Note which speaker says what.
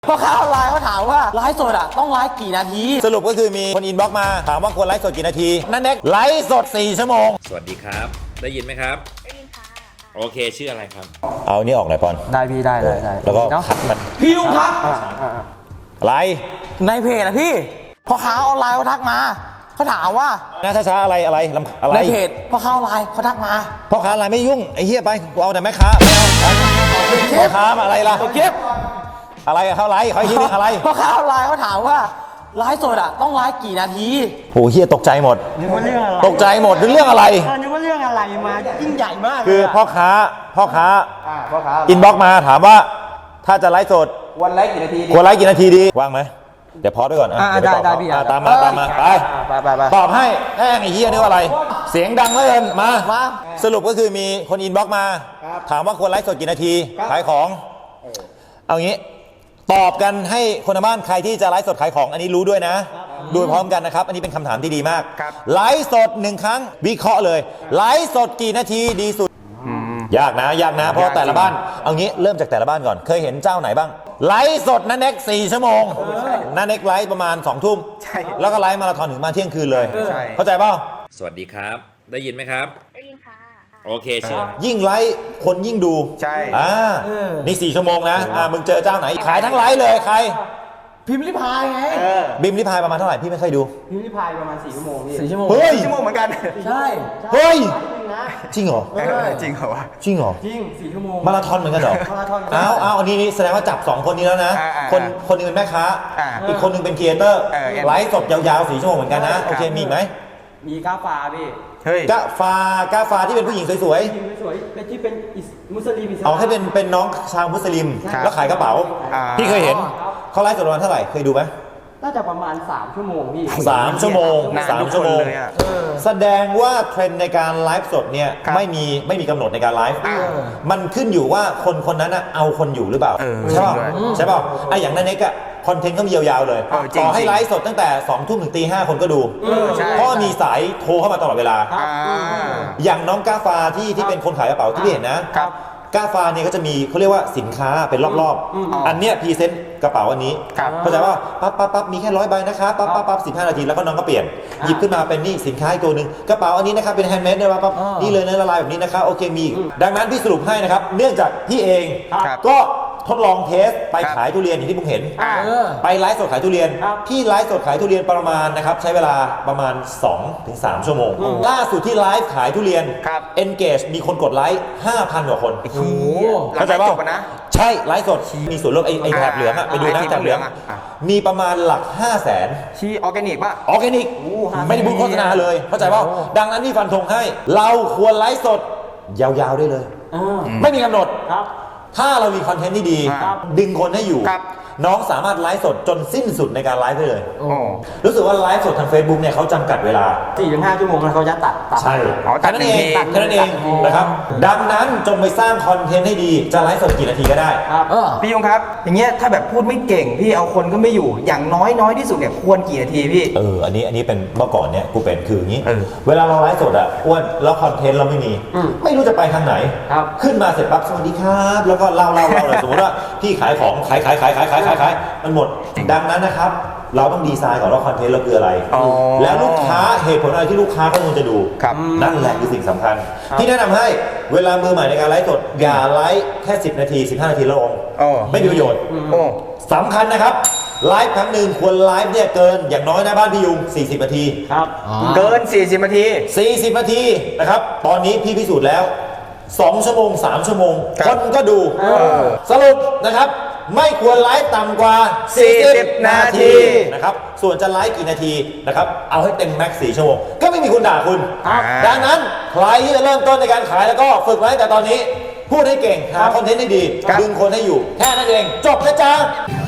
Speaker 1: พ่อค้าออนไลน์เขาถามว่าไลฟ์สดอ่ะต้องไลฟ์กี่นาที
Speaker 2: สรุปก็คือมีคนอินบ็อกซ์มาถามว่าควรไลฟ์สดกี่นาทีนั่นเน็กไลฟ์สด4 ชั่วโมง
Speaker 3: สวัสดีครับได้ยินไหมครับได้ยินค่ะโอเคชื่ออะไรครับ
Speaker 2: เอานี่ออกหน่อยปอน
Speaker 1: ได้พี่ได้
Speaker 2: แล้วก็ขัดมัน
Speaker 1: พี่ลุงครับ
Speaker 2: อะไร
Speaker 1: ในเพจนะพี่พ่อค้าออนไลน์เขาทักมาเขาถามว่า
Speaker 2: ช้าอะไร
Speaker 1: ในเพจพ่อค้าออนไลน์เขาทักมา
Speaker 2: พ่อค้าออนไลน์ไม่ยุ่งไอ้เหี้ยไปเอาแต่แม่ค้าไม่เอาพ่อค้าอะไรล่ะ
Speaker 1: เก็บ
Speaker 2: อะไรเขาไลฟ์เขาคิดอะไร
Speaker 1: พ่อค้าออนไลน์เขาถามว่าไลฟ์สดอ่ะต้องไลฟ์กี่นาที
Speaker 2: โหเหี้ยตกใจหมดตกใจหมดเรื่องอะไร
Speaker 1: นึกว่าเรื่องอะไรมายิ่งใหญ่มาก
Speaker 2: คือพ่อค้าอินบ็อกซ์มาถามว่าถ้าจะไลฟ์สด
Speaker 1: ควรไลฟ์กี่นาที
Speaker 2: ควรไลฟ์กี่นาทีดีว่างไหมเดี๋ยวพอด้วยก่อน
Speaker 1: ได้พี่
Speaker 2: ตามมาไปตอบให้แม่งไอ้เหี้ยนึกว่าอะไรเสียงดังเลยมาสรุปก็คือมีคนอินบ็อกซ์มาถามว่าควรไลฟ์สดกี่นาทีขายของเอางี้ตอบกันให้คนทางบ้านใครที่จะไลฟ์สดขายของอันนี้รู้ด้วยนะดูพร้อมกันนะครับอันนี้เป็นคำถามที่ดีมากไลฟ์สด1 ครั้งวิเคราะห์เลยไลฟ์สดกี่นาทีดีสุดยากนะเพราะแต่ละบ้านเอางี้เริ่มจากแต่ละบ้านก่อนเคยเห็นเจ้าไหนบ้างไลฟ์สดนั่นเน็ก4 ชั่วโมงนั่นเน็กไลฟ์ประมาณ2 ทุ่มแล้วก็ไลฟ์มาราธอนถึงมาเที่ยงคืนเลยเข้าใจเปล่า
Speaker 3: สวัสดีครับได้ยินไหมครับได้ยินค่ะโอเคเชิญ
Speaker 2: ยิ่งไลฟ์คนยิ่งดู
Speaker 4: ใช่
Speaker 2: นี่4 ชั่วโมงนะมึงเจอเจ้าไหนขายทั้งไลฟ์เลยใคร
Speaker 1: พิมพ์ริพายไง
Speaker 2: บิมริพายประมาณเท่าไหร่พี่ไม่เคยดู
Speaker 1: พิมพ์ริพายประมาณ4 ชั่วโมง4 ชั่วโมง
Speaker 2: เฮ้ย
Speaker 4: 4 ชั่วโมงเหมือนกัน
Speaker 1: ใช่
Speaker 2: เฮ้ยจริงเหรอ
Speaker 4: จริงเหรอวะ
Speaker 2: จริงเหรอ
Speaker 1: จริง4 ชั่วโมง
Speaker 2: มาราธอนเหมือนกันเหรอ
Speaker 1: มาราธอน
Speaker 2: เอาอันนี้แสดงว่าจับ2 คนนี้แล้วนะคนนึงเป็นแม่ค้าอีกคนนึงเป็นครีเอเตอร์ไลฟ์สดยาวๆ4 ชั่วโมงเหมือนกันนะโอเคมีไหม
Speaker 1: มีก้าฟ้าพี่
Speaker 2: ก้าฟ้าที่เป็นผู้หญิงสวย
Speaker 1: ๆเป็นที่เป็นมุสลิม
Speaker 2: เอาให้เป็นน้องชาวมุสลิมแล้วขายกระเป๋าพี่เคยเห็นเขาไลฟ์สดประมาณเท่าไหร่เคยดูไหม
Speaker 1: น่าจะประมาณ3 ชั่วโมงพี่
Speaker 2: 3 ชั่วโมง3 ชั่วโมงแสดงว่าเทรนด์ในการไลฟ์สดเนี่ยไม่มีกำหนดในการไลฟ์มันขึ้นอยู่ว่าคนนั้นเอาคนอยู่หรือเปล่าใช่ป่ะไอ้อย่างนั้นเน็กอะคอนเทนต์เขามียาวๆเลยต่อให้ไลฟ์สดตั้งแต่2 ทุ่มถึงตี 5คนก็ดูเพราะมีสายโทรเข้ามาตลอดเวลาอย่างน้องก้าฟ้าที่เป็นคนขายกระเป๋าที่พี่เห็นนะก้าฟ้าเนี่ยก็จะมีเขาเรียกว่าสินค้าเป็นรอบๆอันเนี้ยพรีเซนต์กระเป๋าอันนี้เข้าใจว่าปั๊บมีแค่100 ใบนะคะปั๊บ15 นาทีแล้วก็น้องก็เปลี่ยนหยิบขึ้นมาเป็นนี่สินค้าอีกตัวหนึ่งกระเป๋าอันนี้นะครับเป็นแฮนด์เมดนะปั๊บนี่เลยนะละลายแบบนี้นะคะโอเคมีดังนั้นพี่สรุปให้นะครับเนื่องจากพี่เองก็ทดลองเทสไปขายทุเรียนอย่างที่ผมเห็นไปไลฟ์สดขายทุเรียนพี่ไลฟ์สดขายทุเรียนประมาณนะครับใช้เวลาประมาณ 2-3 ชั่วโมงล่าสุดที่ไลฟ์ขายทุเรียน engage มีคนกดไลค์ 5,000 กว่าคน
Speaker 4: เข้าใจป่ะ
Speaker 2: ใช่ไลฟ์สดมีส่วนลดไอแถบเหลืองอะไปดูนะแถบเหลืองมีประมาณหลัก 500,000
Speaker 4: ที่ออร์แกนิกป่ะ
Speaker 2: ออร์แกนิกไม่ได้พูดโฆษณาเลยเข้าใจป่ะดังนั้นพี่ฟันธงให้เราควรไลฟ์สดยาวๆได้เลยไม่มีกำหนดถ้าเรามีคอนเทนต์ที่ดีดึงคนให้อยู่น้องสามารถไลฟ์สดจนสิ้นสุดในการไลฟ์ได้เลยรู้สึกว่าไลฟ์สดทาง Facebook เนี่ยเขาจำกัดเวลา
Speaker 1: 4-5 ชั่วโมงแล้วเขาจะตัด
Speaker 2: ใช่แค่นั้นเองนะครับดังนั้นจงไปสร้างคอนเทนต์ให้ดีจะไลฟ์สดกี่นาทีก็ได้
Speaker 4: พี่ยงครับอย่างเงี้ยถ้าแบบพูดไม่เก่งพี่เอาคนก็ไม่อยู่อย่างน้อยที่สุดเนี่ยควรกี่นาทีพี่
Speaker 2: อันนี้เป็นเมื่อก่อนเนี่ยกูเป็นคืออย่างนี้เวลาเราไลฟ์สดอ่ะอ้วนแล้วคอนเทนต์เราไม่รู้จะไปทางไหนขึ้นมาเสร็จปั๊บสวัสดีครับแล้วก็เล่าเลยสมมติว่าพี่ขายของขายมันหมดดังนั้นนะครับเราต้องดีไซน์ก่อนว่าคอนเทนต์เราคืออะไรแล้วลูกค้าเหตุผลอะไรที่ลูกค้าเขาควรจะดูนั่นแหละคือสิ่งสำคัญที่แนะนำให้เวลามือใหม่ในการไลฟ์สดอย่าไลฟ์แค่10 นาที15 นาทีแล้วลงไม่มีประโยชน์สำคัญนะครับไลฟ์ครั้งหนึ่งควรไลฟ์เนี่ยเกินอย่างน้อยนะบ้านพี่ยุง40 นาที
Speaker 4: เกิน40 นาที
Speaker 2: 40 นาทีนะครับตอนนี้พี่พิสูจน์แล้ว2 ชั่วโมง3 ชั่วโมงคนก็ดูสรุปนะครับไม่ควรไลฟ์ต่ำกว่า
Speaker 4: 40 นาที
Speaker 2: นะครับส่วนจะไลฟ์กี่นาทีนะครับเอาให้เต็มแม็กซ์4 ชั่วโมงก็ไม่มีคนด่าคุณดังนั้นใครที่จะเริ่มต้นในการขายแล้วก็ฝึกไว้แต่ตอนนี้พูดให้เก่งหาคอนเทนต์ให้ดีดึงคนให้อยู่แค่นั้นเองจบนะจ๊ะ